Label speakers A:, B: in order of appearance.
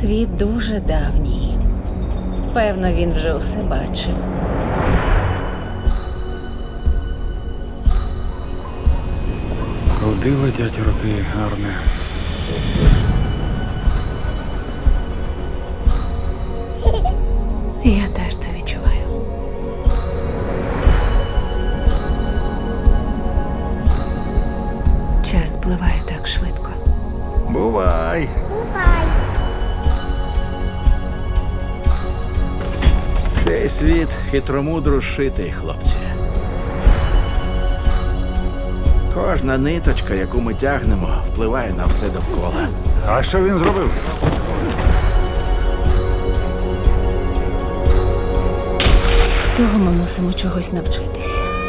A: Світ дуже давній. Певно, він вже усе бачив.
B: Куди летять роки, Арне?
A: Я теж це відчуваю. Час спливає так швидко.
C: Бувай. Цей світ хитромудро шитий, хлопці. Кожна ниточка, яку ми тягнемо, впливає на все довкола.
B: А що він зробив?
A: З цього ми мусимо чогось навчитися.